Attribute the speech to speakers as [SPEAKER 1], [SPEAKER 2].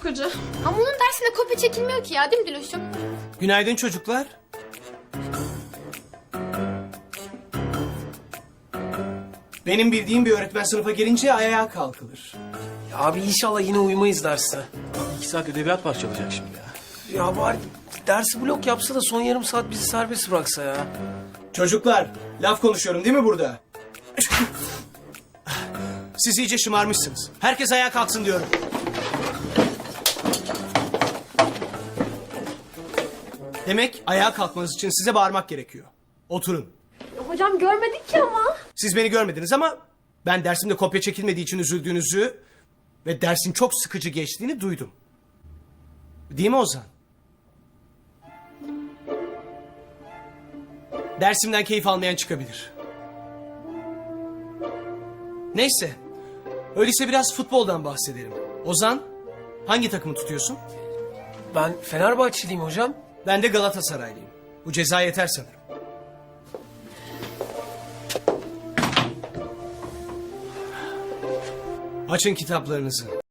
[SPEAKER 1] sıkıcı.
[SPEAKER 2] Ama onun dersinde kopya çekilmiyor ki ya, değil mi Diloş'um?
[SPEAKER 3] Günaydın çocuklar. Benim bildiğim bir öğretmen sınıfa gelince ayağa kalkılır.
[SPEAKER 4] Ya abi inşallah yine uyumayız derste.
[SPEAKER 5] 2 saat ödeviyat parçalayacak şimdi ya.
[SPEAKER 4] Ya bari dersi blok yapsa da son yarım saat bizi serbest bıraksa ya.
[SPEAKER 3] Çocuklar, laf konuşuyorum değil mi burada? Siz iyice şımarmışsınız. Herkes ayağa kalksın diyorum. Demek ayağa kalkmanız için size bağırmak gerekiyor. Oturun.
[SPEAKER 1] Hocam görmedik ki ama.
[SPEAKER 3] Siz beni görmediniz ama ben dersimde kopya çekilmediği için üzüldüğünüzü ve dersin çok sıkıcı geçtiğini duydum. Değil mi Ozan? Dersimden keyif almayan çıkabilir. Neyse. Öyleyse biraz futboldan bahsedelim. Ozan, hangi takımı tutuyorsun?
[SPEAKER 4] Ben Fenerbahçeliyim hocam.
[SPEAKER 3] Ben de Galatasaraylıyım. Bu ceza yeter sanırım. Açın kitaplarınızı.